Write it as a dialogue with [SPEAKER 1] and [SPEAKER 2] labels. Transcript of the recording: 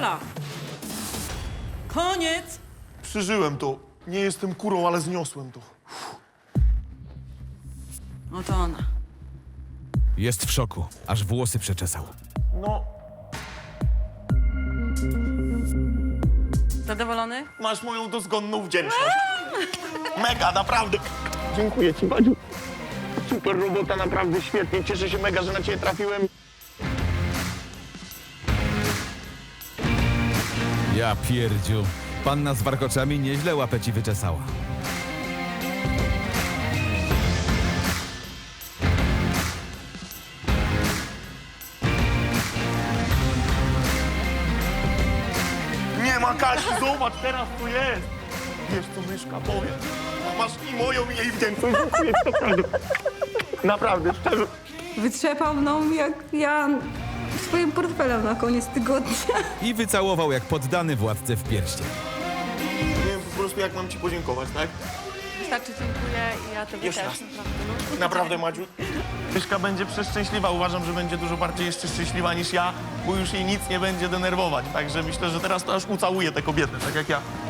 [SPEAKER 1] Fala. Koniec.
[SPEAKER 2] Przeżyłem to. Nie jestem kurą, ale zniosłem to.
[SPEAKER 1] Oto ona.
[SPEAKER 3] Jest w szoku, aż włosy przeczesał.
[SPEAKER 2] No,
[SPEAKER 1] Zadowolony?
[SPEAKER 2] masz moją dozgonną wdzięczność. Mega, naprawdę. Dziękuję ci, Badziu. Super robota, naprawdę świetnie. Cieszę się mega, że na ciebie trafiłem.
[SPEAKER 3] Ja pierdziu. Panna z warkoczami nieźle łapę ci wyczesała.
[SPEAKER 2] Nie ma Kasi, zobacz teraz co jest. Wiesz co, myszka, powiem. Masz i moją, i jej wdzięczność. Dziękuję ci, naprawdę. Naprawdę, szczerze.
[SPEAKER 4] Wytrzepał mną jak ja swoim portfelem na koniec tygodnia.
[SPEAKER 3] I wycałował jak poddany władcę w pierścień.
[SPEAKER 2] Nie wiem po prostu, jak mam ci podziękować, tak?
[SPEAKER 1] Wystarczy, dziękuję i ja tobie
[SPEAKER 2] Jeszcze
[SPEAKER 1] też.
[SPEAKER 2] raz.
[SPEAKER 1] Naprawdę.
[SPEAKER 2] Naprawdę, Madziu. Myszka będzie przeszczęśliwa. Uważam, że będzie dużo bardziej jeszcze szczęśliwa niż ja, bo już jej nic nie będzie denerwować. Także myślę, że teraz to aż ucałuję tę kobietę, tak jak ja.